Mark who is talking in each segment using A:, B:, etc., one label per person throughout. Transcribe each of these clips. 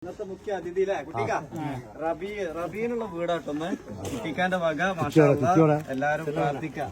A: ഇന്നത്തെ മുഖ്യ അതിഥിയിലെ കുട്ടിക്ക റബീനുള്ള വീടാട്ടൊന്ന് കുട്ടിക്കാന്റെ വക എല്ലാരും പ്രാർത്ഥിക്കാം.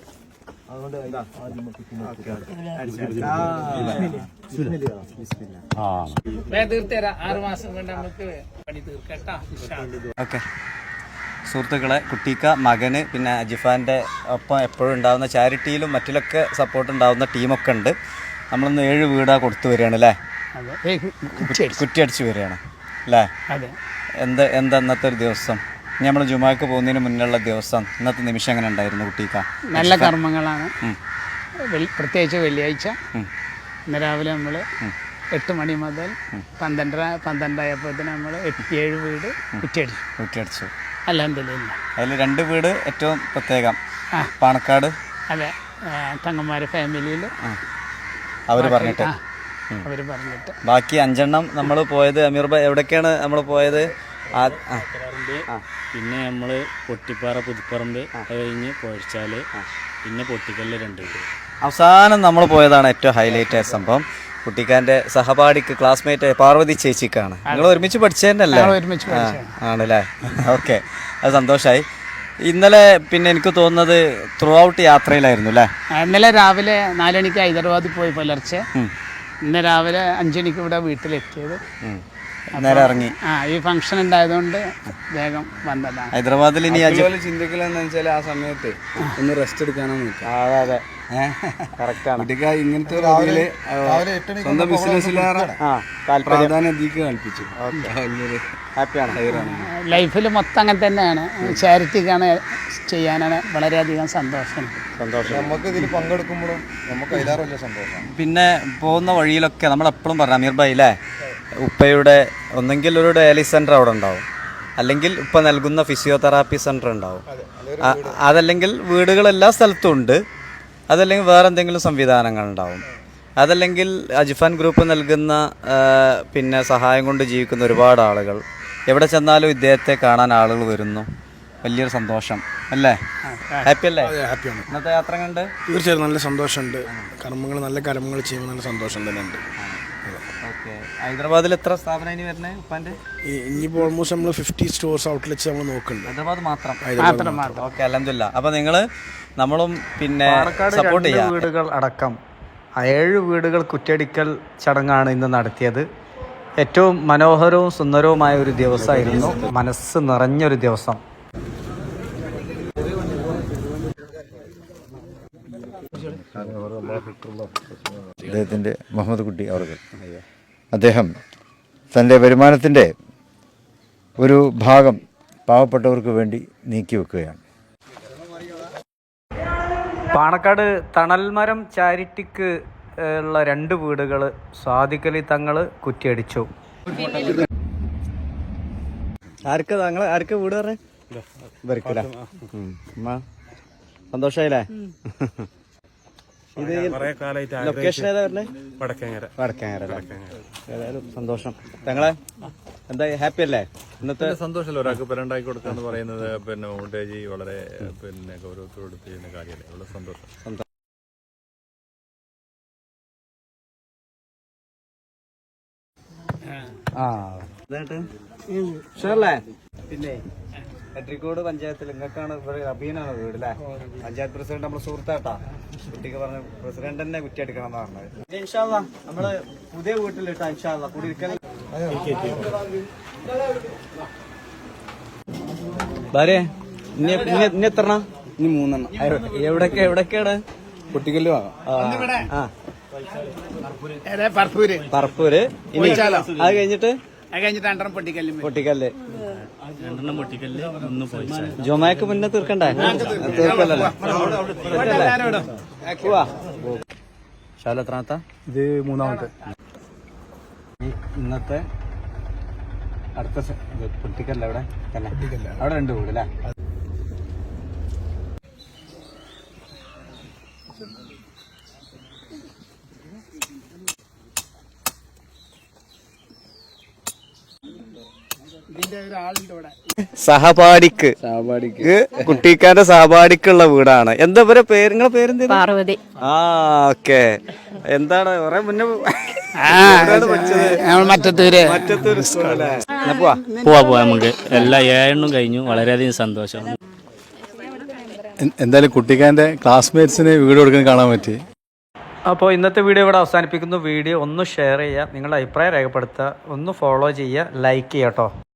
A: ഓക്കെ സുഹൃത്തുക്കളെ, കുട്ടിക്ക മകന് പിന്നെ അജിഫാന്റെ ഒപ്പം എപ്പോഴും ഉണ്ടാവുന്ന ചാരിറ്റിയിലും മറ്റിലൊക്കെ സപ്പോർട്ട് ഉണ്ടാവുന്ന ടീമൊക്കെ ഉണ്ട്. നമ്മളിന്ന് 7 വീടാ കൊടുത്തു വരികയാണ് അല്ലേ? കുറ്റിയടിച്ച് വരികയാണ് അല്ലേ? എന്താ ഇന്നത്തെ ഒരു ദിവസം? ഇനി നമ്മൾ ജുമാക്ക് പോകുന്നതിന് മുന്നുള്ള ദിവസം ഇന്നത്തെ നിമിഷം എങ്ങനെ ഉണ്ടായിരുന്നു കുട്ടിക്ക?
B: നല്ല കർമ്മങ്ങളാണ്. പ്രത്യേകിച്ച് വെള്ളിയാഴ്ച ഇന്ന് രാവിലെ നമ്മൾ 8 മണി മുതൽ 12:30 നമ്മൾ 7 വീട് കുറ്റിയടിച്ചു. അൽഹംദുലില്ലാ.
A: അതിൽ 2 വീട് ഏറ്റവും പ്രത്യേകം, പാണക്കാട്.
B: അതെ, തങ്ങന്മാരെ ഫാമിലിയിൽ
A: അവർ പറഞ്ഞിട്ട് ബാക്കി 5 നമ്മൾ പോയത് അമീർ ഭായ് എവിടേക്കാണ് നമ്മൾ പോയത്?
C: പിന്നെ നമ്മൾ പൊട്ടിപ്പാറ പുതുപ്പറമ്പ് കഴിഞ്ഞ് പൊഴിച്ചാല് പിന്നെ പൊട്ടിക്കല്ല് 2 വീട്.
A: അവസാനം നമ്മൾ പോയതാണ് ഏറ്റവും ഹൈലൈറ്റ് ആയ സംഭവം. കുട്ടിക്കാന്റെ സഹപാഠിക്ക് ക്ലാസ്മേറ്റ് പാർവതി ചേച്ചിക്കാണ്. നിങ്ങൾ ഒരുമിച്ച് പഠിച്ചതന്നെയല്ലേ? ആണല്ലേ? ഓക്കെ, അത് സന്തോഷമായി. ഇന്നലെ പിന്നെ എനിക്ക് തോന്നുന്നത് ത്രൂ ഔട്ട് യാത്രയിലായിരുന്നു അല്ലേ?
B: ഇന്നലെ രാവിലെ 4 മണിക്ക് ഹൈദരാബാദിൽ പോയി പുലർച്ചെ. ഇന്ന് രാവിലെ 5 മണിക്ക് ഇവിടെ വീട്ടിലെത്തിയത്.
A: നേരെ ഇറങ്ങി.
B: ഈ ഫംഗ്ഷൻ ഉണ്ടായതുകൊണ്ട് വേഗം വന്നതാണ്.
A: ഹൈദരാബാദിൽ ഇനി
D: ചിന്തിക്കലെന്ന് വെച്ചാൽ ആ സമയത്ത് ഒന്ന് റെസ്റ്റ് എടുക്കാനാണ്.
A: അതെ, കറക്റ്റാണ്.
D: ഇങ്ങനത്തെ സ്വന്തം ബിസിനസ്സിലേറെ പ്രാധാന്യം അധികം കൽപ്പിച്ചു.
A: ഹാപ്പിയാണ്.
B: ലൈഫിൽ മൊത്തം അങ്ങനെ തന്നെയാണ്. ചാരിറ്റിക്കാണ് ചെയ്യാനാണ് വളരെയധികം സന്തോഷം.
D: നമുക്ക് ഇതിൽ പങ്കെടുക്കുമ്പോഴും നമുക്ക് അതിലേറെ സന്തോഷം.
A: പിന്നെ പോകുന്ന വഴിയിലൊക്കെ നമ്മളെപ്പോഴും പറഞ്ഞു അമീർ ഭായ് അല്ലേ, ഉപ്പയുടെ ഒന്നെങ്കിൽ ഒരു ഡയാലിസിസ് സെൻ്റർ അവിടെ ഉണ്ടാവും, അല്ലെങ്കിൽ ഉപ്പ നൽകുന്ന ഫിസിയോതെറാപ്പി സെൻ്റർ ഉണ്ടാവും, അതല്ലെങ്കിൽ വീടുകൾ എല്ലാ സ്ഥലത്തും ഉണ്ട്, അതല്ലെങ്കിൽ വേറെ എന്തെങ്കിലും സംവിധാനങ്ങൾ ഉണ്ടാവും, അതല്ലെങ്കിൽ അജിഫാൻ ഗ്രൂപ്പ് നൽകുന്ന പിന്നെ സഹായം കൊണ്ട് ജീവിക്കുന്ന ഒരുപാട് ആളുകൾ. എവിടെ ചെന്നാലും ഇദ്ദേഹത്തെ കാണാൻ ആളുകൾ വരുന്നു. വലിയൊരു സന്തോഷം അല്ലേ? ഹാപ്പി അല്ലേ?
D: ഹാപ്പിയാണ്.
A: ഇന്നത്തെ യാത്ര കണ്ട്
D: തീർച്ചയായും നല്ല സന്തോഷമുണ്ട്. നല്ല കർമ്മങ്ങൾ ചെയ്യുമ്പോൾ നല്ല സന്തോഷം തന്നെ ഉണ്ട്.
A: ഓക്കെ, ഹൈദരാബാദിൽ എത്ര സ്ഥാപനം ഇനി വരണേ ഉപ്പാൻ്റെ?
D: ഇനിയിപ്പോൾ ഓൾമോസ്റ്റ് നമ്മൾ 50 സ്റ്റോർസ് ഔട്ട്ലെറ്റ്സ് നമ്മൾ നോക്കുന്നുണ്ട്.
A: ഹൈദരാബാദ് മാത്രം. ഓക്കെ, അൽഹംദുലില്ലാ. അപ്പോൾ നമ്മളും പിന്നെ സപ്പോർട്ട് ചെയ്യാം. വീടുകൾ അടക്കം 7 വീടുകൾ കുറ്റിയടിക്കൽ ചടങ്ങാണ് ഇന്ന് നടത്തിയത്. ഏറ്റവും മനോഹരവും സുന്ദരവുമായ ഒരു ദിവസമായിരുന്നു. മനസ്സ് നിറഞ്ഞൊരു ദിവസം.
E: അദ്ദേഹത്തിൻ്റെ മുഹമ്മദ് കുട്ടി അവർക്ക് അദ്ദേഹം തൻ്റെ വരുമാനത്തിൻ്റെ ഒരു ഭാഗം പാവപ്പെട്ടവർക്ക് വേണ്ടി നീക്കി വെക്കുകയാണ്.
A: പാണക്കാട് തണൽമരം ചാരിറ്റിക്ക് ഉള്ള 2 വീടുകൾ സാദിഖലി തങ്ങൾ കുറ്റിയടിച്ചു. ആർക്ക് വീട് പറഞ്ഞേ? സന്തോഷായില്ലേ? ഇത് ലൊക്കേഷൻ ഏതാ പറഞ്ഞേ? വടക്കേങ്ങര. ഏതായാലും സന്തോഷം. തങ്ങളെ എന്താ ഹാപ്പി അല്ലേ? ഇന്നത്തെ
F: സന്തോഷമല്ല ഒരാൾക്ക് പെരണ്ടാക്കി കൊടുക്കാന്ന് പറയുന്നത് പിന്നെ മമ്മൂട്ടി വളരെ പിന്നെ ഗൗരവത്തോട് ചെയ്യുന്ന കാര്യമല്ലേ? വളരെ സന്തോഷം.
A: പിന്നെ എട്രിക്കോട് പഞ്ചായത്തിൽ നിങ്ങൾക്കാണ് ഇവിടെ അബീനാണ് വീട് അല്ലേ? പഞ്ചായത്ത് പ്രസിഡന്റ് നമ്മള് സുഹൃത്താട്ടാ. കുട്ടിക്ക് പറഞ്ഞ പ്രസിഡന്റ് തന്നെ കുറ്റിയെടുക്കണം എന്ന് പറഞ്ഞത്. ഇൻഷാ അല്ലാ നമ്മള് പുതിയ വീട്ടിലിട്ടാ ഇൻഷാ അല്ലാ കുടിയിരിക്കൽ. ഭാര്യ ഇനി എത്ര?
D: ഇനി 3
A: എവിടൊക്കെയാണ്?
D: പൊട്ടിക്കല്ല്
A: പറപ്പൂര്. ഇനി അത് കഴിഞ്ഞിട്ട് പൊട്ടിക്കല്ല്. ജുമാക്ക് മുന്നേ തീർക്കണ്ടേ? തീർക്കല്ലോ. എത്രാമത്തെ?
D: ഇത് 3ാമത്തെ.
A: ഇന്നത്തെ അടുത്ത പൊട്ടിക്കല്ല അവിടെ തന്നെ. അവിടെ 2 വീട് അല്ലേ? സഹപാഠിക്ക് കുട്ടിക്കാന്റെ സഹപാഠിക്കുള്ള വീടാണ്. എന്താ പേര്? നിങ്ങളെ പേരെന്താ?
G: പാർവതി.
A: ഓക്കെ. എന്താണ് കുറെ മുന്നേ
B: നമ്മൾ മറ്റത്തൂര്
C: പോവാ നമുക്ക് എല്ലാ 7 കഴിഞ്ഞു. വളരെയധികം സന്തോഷം.
G: എന്തായാലും കുട്ടിക്കാരൻ്റെ ക്ലാസ്മേറ്റ്സിന് വീഡിയോ കൊടുക്കാൻ കാണാൻ പറ്റി.
A: അപ്പോൾ ഇന്നത്തെ വീഡിയോ ഇവിടെ അവസാനിപ്പിക്കുന്നു. വീഡിയോ ഒന്ന് ഷെയർ ചെയ്യുക, നിങ്ങളുടെ അഭിപ്രായം രേഖപ്പെടുത്തുക, ഒന്ന് ഫോളോ ചെയ്യുക, ലൈക്ക് ചെയ്യുക കേട്ടോ.